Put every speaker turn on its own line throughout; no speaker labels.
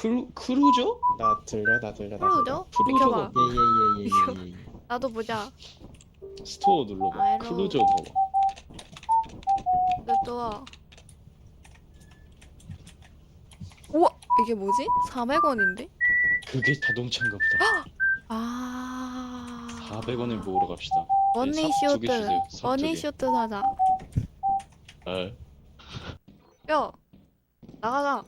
크루저?
나 들려 나 들려.
프로죠?
프로저가
비켜봐.
예예예예예.
나도 보자.
스토어 눌러봐.
아이로.
크루저 봐봐.
또 우와 이게 뭐지? 400원인데?
그게 자동차인가 보다.
아
400원을 모으러 갑시다.
머니쇼트
삽
머니쇼트 사자.
아,
야 나가자.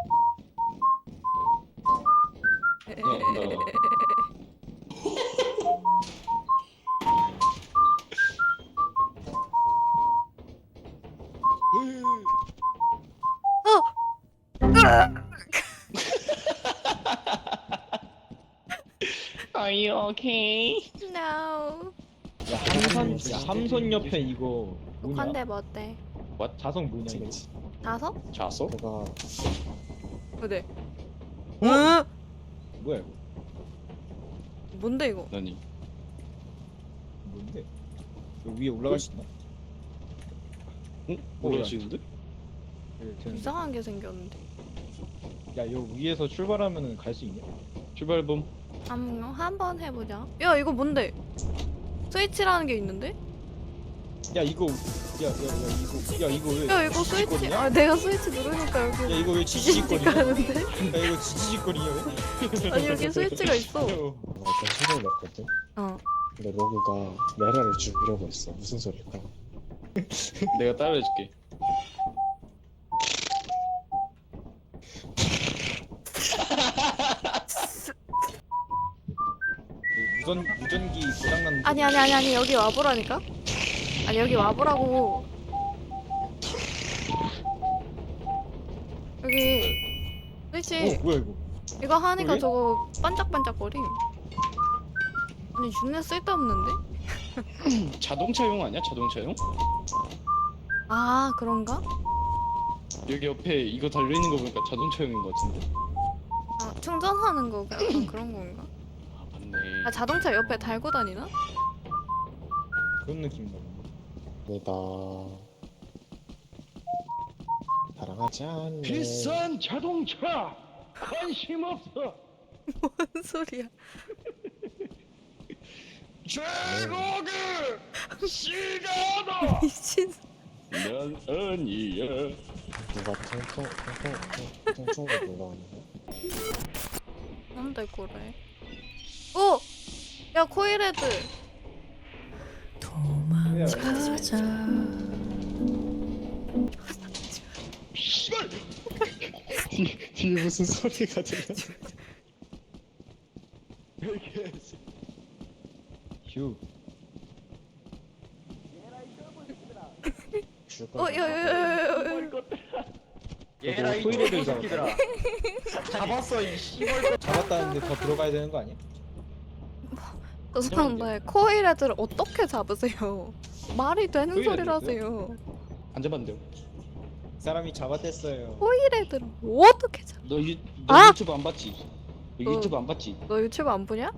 Are you okay?
No.
야 함선 옆에 이거 뭐냐?
한대 뭐 어때?
자석 뭐냐 이거? 그치.
다섯?
자서?
내가
어때?
뭐야 이거?
뭔데 이거?
아니
뭔데? 여기 위에 올라갈 수 있나?
응? 올라가시는데?
이상한 게 생겼는데.
야여 위에서 출발하면은 갈 수 있냐?
출발범.
한번 해보자. 야 이거 뭔데? 스위치라는 게 있는데?
야 이거 야 이거 왜?
야 이거 스위치.
지지직거리냐?
아 내가 스위치 누르니까
야
여기
이거 왜 지지직거리냐? 야
하는데?
이거 지지직거리냐 왜?
아니 여기 스위치가 있어.
나 어떤 소리를 냈거든?
어.
근데 로그가 메라를 죽이려고 했어. 무슨 소릴까?
내가 따라해줄게.
무전기 고장난.
아니 여기 와보라니까? 아니 여기 와보라고. 여기 스위치
뭐야 이거?
이거 하니까
여기?
저거 반짝반짝거림. 아니 존나 쓸데없는데?
자동차용 아니야? 자동차용?
아 그런가?
여기 옆에 이거 달려있는 거 보니까 자동차용인 거 같은데.
아 충전하는 거 약간 그런 건가?
아 맞네.
아 자동차 옆에 달고 다니나?
그런 느낌인가 보네. 내가 사랑하지 않네.
비싼 자동차 관심 없어.
뭔 소리야?
최고의 시간아.
미친.
난 아니야.
누가 통통을 눌러왔네.
뭔데 그래? 오! 야 코일헤드.
도망가자.
씨발.
뒤에 무슨 소리가 들려? 휴.
야야야야야.
얘라 이 토이레를 잡았어 이 씨발. 잡았다는데 더 들어가야 되는 거 아니야?
저 사람들 코일헤드를 어떻게 잡으세요? 말이 되는
코일헤드요?
소리라세요.
안 잡았는데요.
사람이 잡아댔어요.
코일헤드를 어떻게 잡?
너
아!
유튜브 안 봤지? 너
어.
유튜브 안 봤지?
너 유튜브 안 보냐?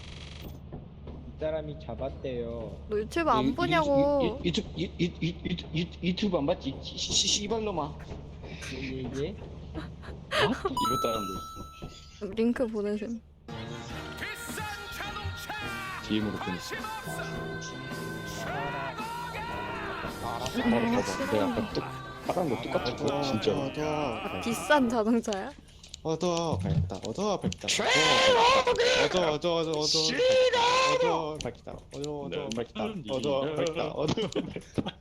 이 사람이 잡았대요.
너 유튜브 안 보냐고.
유튜브 안 봤지? 씨발놈아.
예예.
이거 따라한 거
링크 보내셈.
DM으로 보냈어. 바로 봐봐. 내가 아까 따라한 거 똑같아. 진짜.
아, 비싼 자동차야?
얻어 밝다. 얻어 밝다. 얻어 밝다. 얻어 밝다. 얻어 밝다.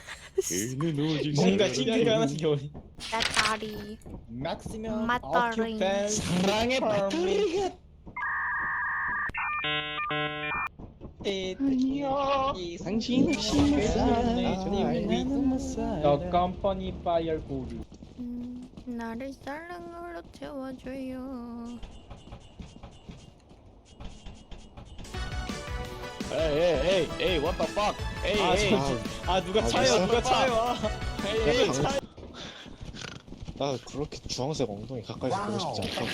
뭔가 찡찡가 하는 겨울이.
배터리.
맥시멈
배터리.
사랑의 배터리가.
당신 없이
The company fire gold.
나를 사랑으로 채워줘요.
에이, what the fuck? 에이.
아 누가
아,
차요? 누가 차요?
에이.
나 그렇게 주황색 엉덩이 가까이서 보고 싶지 않다.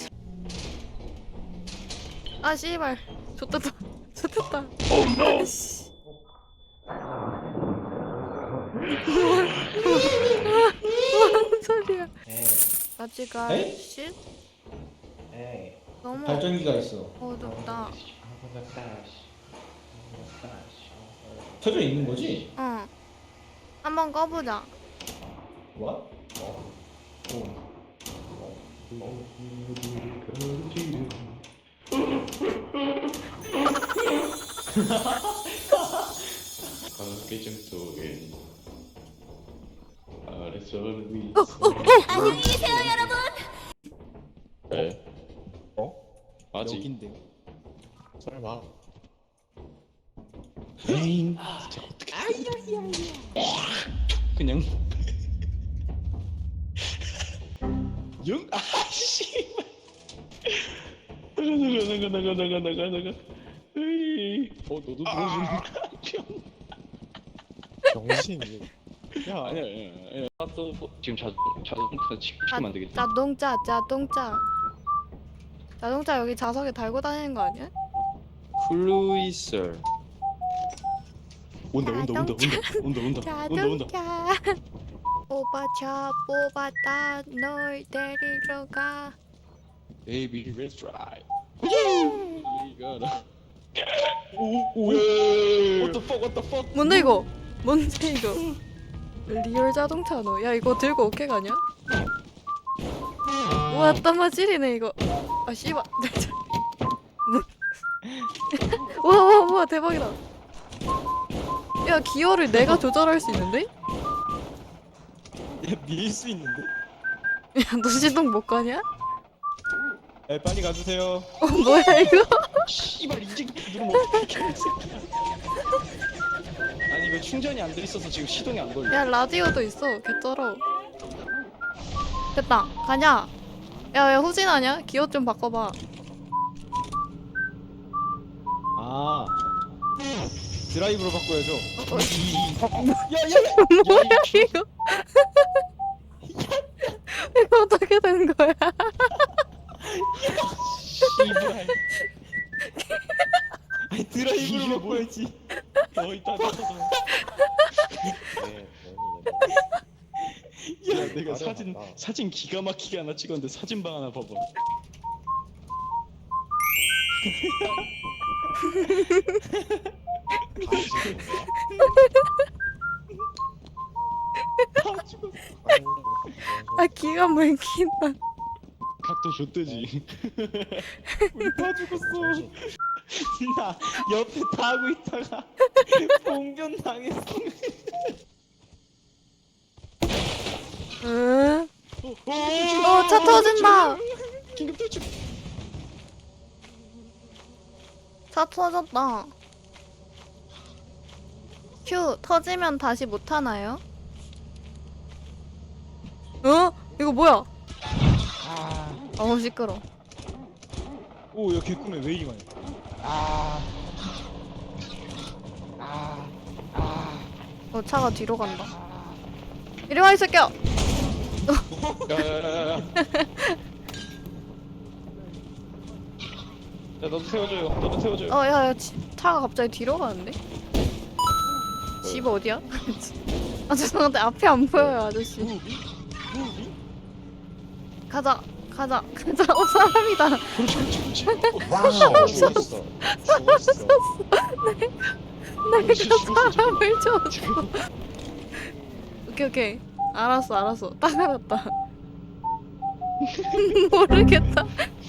아 씨발. 좋됐다. 좋됐다. 뭔 소리야?
에?
아직아
에?
쉿? 너무
발전기가 있어.
어둡다.
켜져 있는 거지?
응. 한번 꺼보자.
뭐?
깨짐 속에 아래서는 위.
안녕히 계세요, 여러분.
네.
어?
아직.
여긴데.
설마. 에잉. 진짜 어떻게? 그냥. 영. 아씨. 나가. 으이. 너도 들어주는 거야?
정신이. 야,
아니야. 또 지금 자동차 시키면 안 되겠지?
자동차 여기 자석에 달고 다니는 거 아니야?
플루이슬.
온다.
자동차. 뽑아차 뽑았다 널 데리러 가.
Baby, let's drive.
예.
이거라. 오, What the fuck?
뭔데 이거? 뭔데 이거? 리얼 자동차 너. 야 이거 들고 어깨 가냐? 와 땀마질이네 이거. 아 씨발. 와 대박이다. 야 기어를 내가 조절할 수 있는데?
밀 수 있는데?
야 너 시동 못 가냐?
네, 빨리 가주세요.
뭐야 이거?
씨발 이제 누르면 어떡해. 아니 이거 충전이 안 돼 있어서 지금 시동이 안 걸려.
야 라디오도 있어. 개쩔어. 됐다. 가냐? 야 왜 후진하냐? 기어 좀 바꿔봐.
아. 드라이브로 바꿔야죠.
뭐야 이거? 이거 어떻게 된 거야?
씨발.
아니, 드라이브로 바꿔야지.
이따. 야 내가 사진 기가 막히게 하나 찍었는데 사진방 하나 봐봐.
아 기가 막힌다.
각도 좆되지.
우리 다 죽었어. 나 옆에 타고 있다가 봉변 당했어.
응? 차 터진다.
긴급 탈출.
차 터졌다. 휴 터지면 다시 못 타나요? 어? 이거 뭐야? 어우 시끄러.
오, 야 개꿈에 왜 이리 많이?
차가 뒤로 간다. 이리 와 이 새끼야.
야야야야. 야 너도 세워줘요.
야야 차가 갑자기 뒤로 가는데? 집 어디야? 아 죄송한데 앞이 안 보여요 아저씨. 가자. 사람이다.
그렇지.
와우. 죽었어.
내가 사람을 줬어. 오케이. 알았어. 딱 알았다. 모르겠다.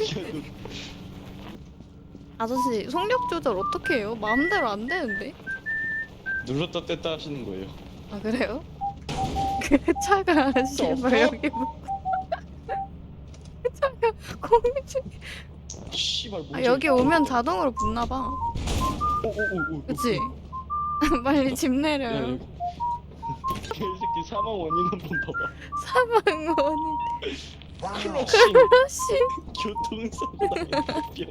아저씨 속력 조절 어떻게 해요? 마음대로 안 되는데?
눌렀다 뗐다 하시는 거예요.
아 그래요? 그 차가 씨발 여기 차가 공중.
씨발 뭐지?
아 여기 오면 자동으로 붙나봐.
오오오오.
그치? 빨리 집
야,
내려요.
이거. 개새끼 사망 원인 한번 봐봐.
사망원이
클러시
크러쉬.
교통사고 당했.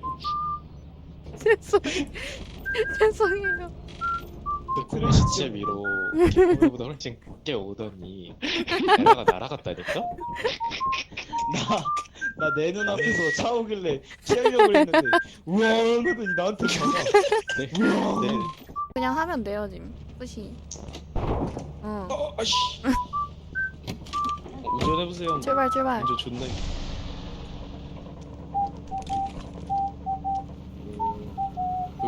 죄송해요.
크래시 위로 우리보다 훨씬 늦게 오더니 에라가 날아갔다니까?
나 내 눈앞에서 차 오길래 피하려고 했는데 우와 하더니 나한테 가자.
네.
그냥 하면 돼요 지금. 뿌시.
아씨. 운전해보세요.
출발.
운전 존나.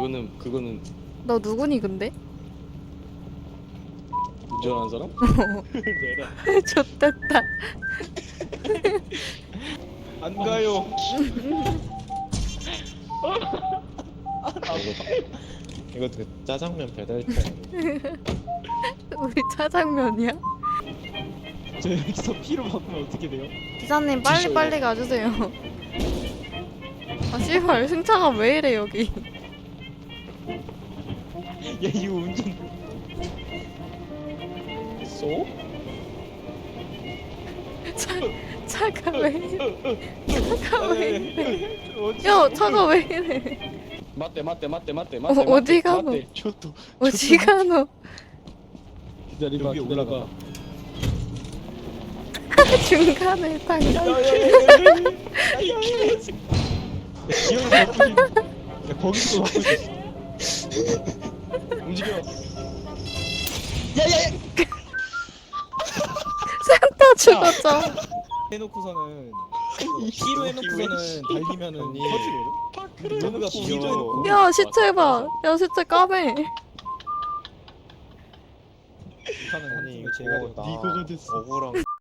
그거는
너 누구니 근데?
운전하는 사람? 내가
좋댔다.
안 가요.
이거 그 짜장면 배달차.
우리 짜장면이야?
저 여기서 피로 바꾸면 어떻게 돼요?
기사님 빨리 빨리 가주세요. 아 씨발 승차가 왜 이래 여기?
야 이거 운전 쏘?
차가 왜 이래? 차가 왜 이래? 야 차가 왜 이래?
맞대
어디 가노?
맞대 저도
어디 가노?
기다려봐
여기
기다려봐
중간에 당겨.
기어를 바꾸지. 야, 거기서 바꾸지.
움직여
센터 죽었죠.
해놓고서는 P로 해놓고서는 달리면은
언니.
터지거든. 누누가 P로
귀여워.
해놓고.
야 시체 봐. 야 시체 까매.
하는
아니
제가
이거 나
이거가 됐어.
억울한